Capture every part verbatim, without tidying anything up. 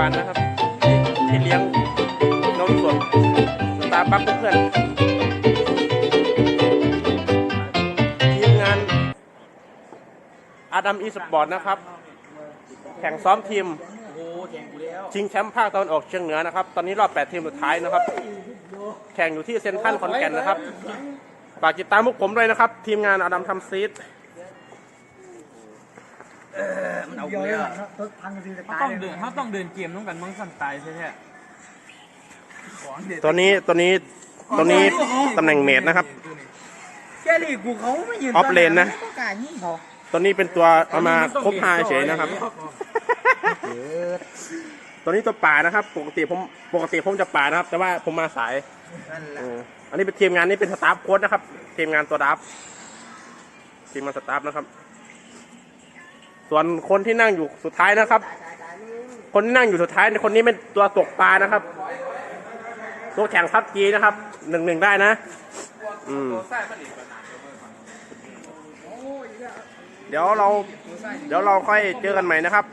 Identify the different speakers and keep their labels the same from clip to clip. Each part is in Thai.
Speaker 1: านนะครับที่เลี้ยงนมสดสตาร์บัคเพื่อนทีมงานอาดัมอีสปอร์ตนะครับแข่งซ้อมทีมชิงแชมป์ภาคตะวันออกเฉียงเหนือนะครับตอนนี้รอบแปดทีมสุดท้ายนะครับแข่งอยู่ที่เซ็นทรัลขอนแก่นนะครับฝากติดตามพวกผมด้วยนะครับทีมงานอาดัมทำซีด
Speaker 2: มันเอาเลยอ่ะเขาต้องเดินเขาต้องเดินเกมต้องกันมั้งสั่นตายใช่ไหม
Speaker 1: ตัวนี้ตัวนี้ตัวนี้ตำแหน่งเมดนะครับ
Speaker 2: แกลี่กูเขาไม่ยืน
Speaker 1: ออฟเลนนะตัวนี้เป็นตัวเอามาครบห้าเฉยนะครับตัวนี้ตัวป่านะครับปกติผมปกติผมจะป่านะครับแต่ว่าผมมาสายอันนี้เป็นทีมงานนี้เป็นสตาฟโค้ชนะครับทีมงานตัวดับทีมงานสตาฟนะครับส่วนคนที่นั่งอยู่สุดท้ายนะครับคนที่นั่งอยู่สุดท้ายคนนี้เป็นตัวตกปลานะครับตัวแข่งพับจีนะครับหนึ่งหนึ่งได้นะอืมเดี๋ยวเราเดี๋ยวเราค่อยเจอกันใหม่นะครับ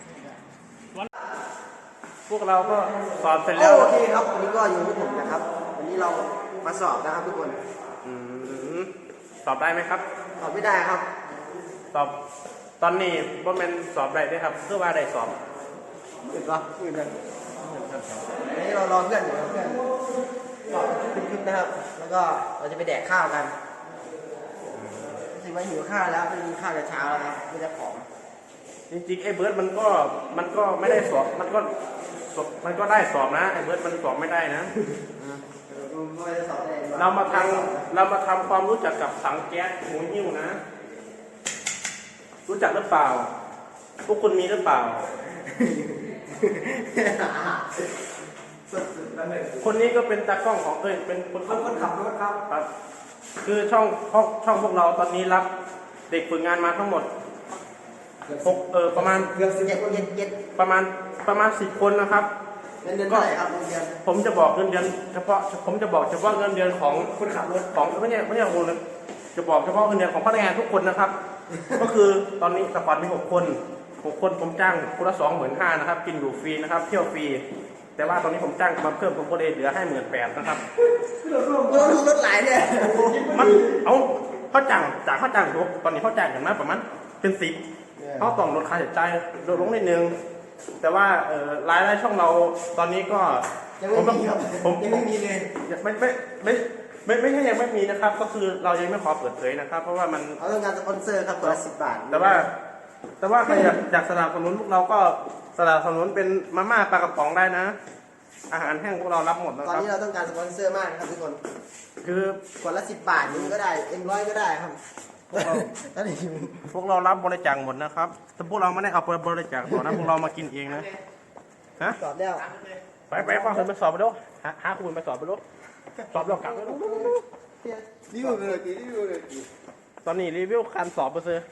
Speaker 1: พวกเราก็สอบเสร็จแล้ว
Speaker 3: โอเคครับวันนี้ก็อยู่ที่ผมนะครับวันนี้เรามาสอบนะครับทุกคน
Speaker 1: อืมสอบได้ไหมครับ
Speaker 3: สอบไม่ได้ครับ
Speaker 1: สอบตอนนี้บ่แม่นสอบได้ด้วยครับเพื่อว่าได้สอบ
Speaker 3: อื่นปะอื่นเลยวันนี้เรารอเพื่อนอยู่เพื่อนสอบคลิปนะครับแล้วก็เราจะไปแดกข้าวกันรู้สึกว่าหิวข้าวแล้วไม่มีข้าวแต่เช้าแล้วครับไม่ได้ของ
Speaker 1: จริงๆไอ้เบิร์ดมันก็มันก็ไม่ได้สอบมันก็มันก็ได้สอบนะไอ้เบิร์ดมันสอบไม่ได้นะเรามาทำเรามาทำความรู้จักกับสังแก๊สหมูหิ้วนะรู้จักหรือเปล่าพวกคุณมีหรือเปล่าคนนี้ก็เป็นตากล้องของเอ้ยเป็นคน
Speaker 3: คนขับรถครับ
Speaker 1: คือช่องช่องช่องพวกเราตอนนี้รับเด็กฝึกงานมาทั้งหมดหกเออประมาณ
Speaker 3: เกือบสิบเจ็ดเจ็ดเจ็ด
Speaker 1: ประมาณประมาณสิบคนนะครับ
Speaker 3: เงินเดือนเท่าไหร่ครับเงินเดือน
Speaker 1: ผมจะบอกเงินเดือนเฉพาะผมจะบอกเฉพาะเงินเดือนของ
Speaker 3: คนขับรถ
Speaker 1: ของไม่ใช่ไม่ใช่คนเลยจะบอกเฉพาะเงินเดือนของพนักงานทุกคนนะครับก็คือตอนนี้สปอร์ตมีหกคนหกคนผมจ้างคนละสองหมื่นห้านะครับกินอยู่ฟรีนะครับเที่ยวฟรีแต่ว่าตอนนี้ผมจ้างมาเพิ่มผมก็เลยเหลือให้หมื่นแปดนะครับ
Speaker 3: รถรถหลายเนี่ย
Speaker 1: มันเอาเขาจ้างจากเขาจ้างตอนนี้เขาจ้างอย่างมากประมาณเป็นสิบเขาต้องลดค่าใช้จ่ายลดลงนิดนึงแต่ว่ารายได้ช่องเราตอนนี้ก็
Speaker 3: ยังไม่มีครับผมยังไม่มีเลย
Speaker 1: ไม่ไม่ไม่ไม่ไม่ใช่ยังไม่มีนะครับก็คือเรายังไม่ขอเปิดเผยนะครับเพราะว่ามัน
Speaker 3: เขาต้องการสปอนเซอร์ครับตัวละสิบบาท
Speaker 1: แต่ว่าแต่ว่าใครอยากอยากสนับสนุนพวกเราก็สนับสนุนเป็นมาม่าปลากระป๋องได้นะอาหารแห้งพวกเรารับหมดนะครับ
Speaker 3: ตอนนี้เราต้องการสปอนเซอร์มากครับทุกคน
Speaker 1: คือ
Speaker 3: คนละสิบบาทนี้ก็ได้เอ็มร้อยก็ได้ครับพวกเราตอนนี้
Speaker 1: พวกเรารับบริจาคหมดนะครับแต่พวกเราไม่ได้เอาไปบริจาคหรอกนะพวกเรามากินเองนะฮะ
Speaker 3: สอบแล้ว
Speaker 1: ไปไปฟังคนไปสอบไปดูหาหาคุณไปสอบไปดูสอบเรากลับไปดู
Speaker 3: รีวิวเลยรีวิวเลย
Speaker 1: ตอนนี้รีวิวการสอบไปเลย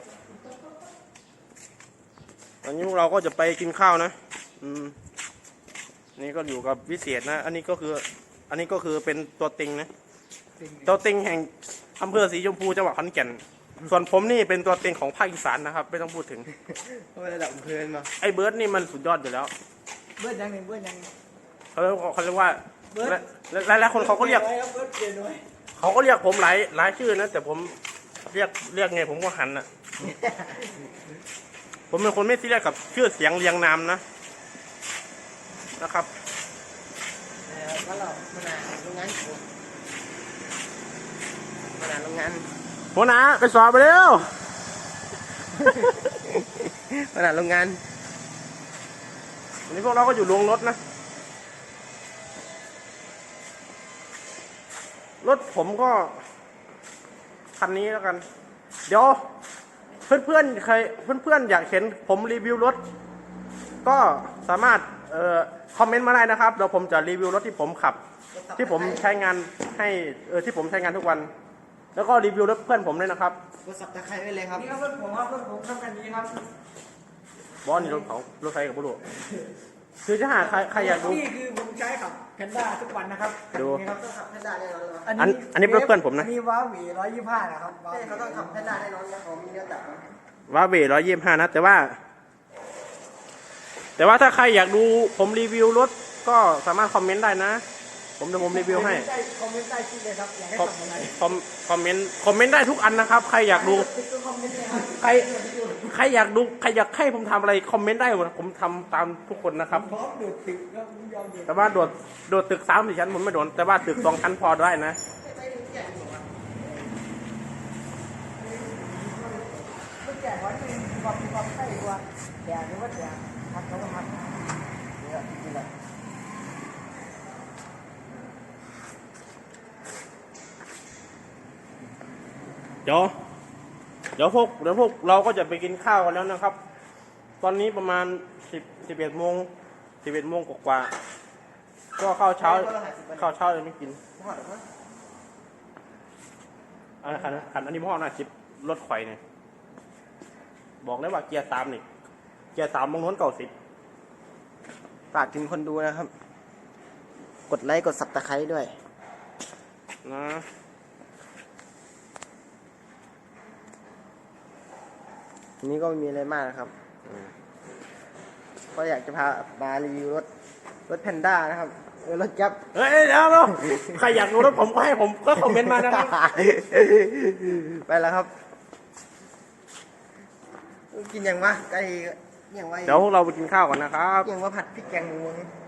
Speaker 1: ตอนนี้พวกเราก็จะไปกินข้าวนะอืมนี่ก็อยู่กับวิเศษนะอันนี้ก็คืออันนี้ก็คือเป็นตัวติงนะตัวติงแห่งอำเภอสีชมพูจังหวัดขอนแก่นส่วนผมนี่เป็นตัวติงของภาคอีสานนะครับไม่ต้องพูดถึง
Speaker 3: ระดับอำเภอมา
Speaker 1: ไอ้เบิร์ดนี่มันสุดยอดอยู่แล้ว
Speaker 3: เบิร์ดยังไงเบิร์ดยัง
Speaker 1: เขาเขาเรียกว่าหลายหลายคนเขาก็เรียกเขาก็เรียกผมหลายหลายชื่อนะแต่ผมเรียกเรียกไงผมก็หันอ่ะผมเป็นคนไม่ซีเรียสกับชื่อเสียงเรียงนามนะนะครับ
Speaker 3: ก็เราขนาดโรงงานขนาดโรงงาน
Speaker 1: หัวหน้าไปสอบไปเร็ว
Speaker 3: ขนาดโรงงาน
Speaker 1: วันนี้พวกเราก็อยู่โรงรถนะรถผมก็คันนี้แล้วกันเดี๋ยวเพื่อนๆใครเพื่อนๆอยากเห็นผมรีวิวรถก็สามารถเอ่อคอมเมนต์มาได้นะครับเดี๋ยวผมจะรีวิวรถที่ผมขับที่ผมใช้งานให้เออที่ผมใช้งานทุกวันแล้วก็รีวิวรถเพื่อนผมด้วยนะครับ
Speaker 3: รถสับตะไคร้ไว้เลยครับ
Speaker 2: นี่ครับรถผมครับรถผมทำกันนี้ครับ
Speaker 1: บอสนี่รถเขารถไฟกับบุรุษคือจะหาใครใครอยากดู
Speaker 2: นี่คือผมใช้ขับแพนด้าทุกวันนะครับ
Speaker 1: ดู
Speaker 3: เขาต้องขับแพนด้าแน่นอน
Speaker 1: อันนี้อันนี้เพื่อนผมนะ
Speaker 2: อันนี้ว้าหวีร้อยยี่สิบห้านะครับ
Speaker 3: เขาต้องขับแพนด้าแน่นอนนะเขามีเนื้อจับ
Speaker 1: ว้าหวีร้อยยี่สิบห้านะแต่ว่าแต่ว่าถ้าใครอยากดูผมรีวิวรถก็สามารถคอมเมนต์ได้นะ ผมจะผมรีวิวให้
Speaker 3: คอมเมนต์ใต้คลิปเลยครับอยากให้
Speaker 1: คอม
Speaker 3: ทำอะไร
Speaker 1: คอมคอมเมนต์คอมเมนต์ได้ทุกอันนะครับ ใครอยากดู
Speaker 3: ก็คอมเมนต์เลยครับ
Speaker 1: ใครใครอยากดูใครอยากให้ผมทำอะไรคอมเมนต์ได้หมดผมทำตามทุกคนนะครับ
Speaker 3: พร้อมดูดตึกก็ยอมดูด
Speaker 1: แต่ว่าโดดโดดตึกสามสี่ชั้นผมไม่โดนแต่ว่าตึกสองชั้นพอได้นะ
Speaker 3: ลูกแก่วันนึงมีความมีความใกล้กว่าแก่หรือว่าแก่ทักเขาก็ทักเนี่ยจริงๆเลย
Speaker 1: เดี๋ยวเดี๋ยวพวกเดี๋ยวพวกเราก็จะไปกินข้าวกันแล้วนะครับ ตอนนี้ประมาณสิบสิบเอ็ดโมงสิบเอ็ดโมงกว่าๆก็ข้าวเช้าข้าวเช้ายังไม่กิน
Speaker 3: พอดหรือเปล่า
Speaker 1: อันขันขันอันนี้พ่อหน้าชิปรถไข่เนี่ยบอกเลยว่าเกียร์สามนี่เกียร์สามมงน้นเก่าสิบ
Speaker 3: ฝากถึงคนดูนะครับ กดไลค์กดซับตะไคร้ด้วย
Speaker 1: นะ
Speaker 3: อันนี้ก็ไม่มีอะไรมากนะครับก็อยากจะพามารีวิวรถรถแพนด้านะครับเออรถยับ
Speaker 1: เฮ้ยเดี๋ยวเดี๋ยวใครอยากดูรถผมก็ให้ผมก็คอมเมนต์มานะครับ
Speaker 3: ไปแล้วครับ กินยังวะไก่ยังวะ
Speaker 1: เดี๋ยวพวกเราไปกินข้าวก่อนนะครับ
Speaker 3: ยังว่าผัดพริกแกงหมู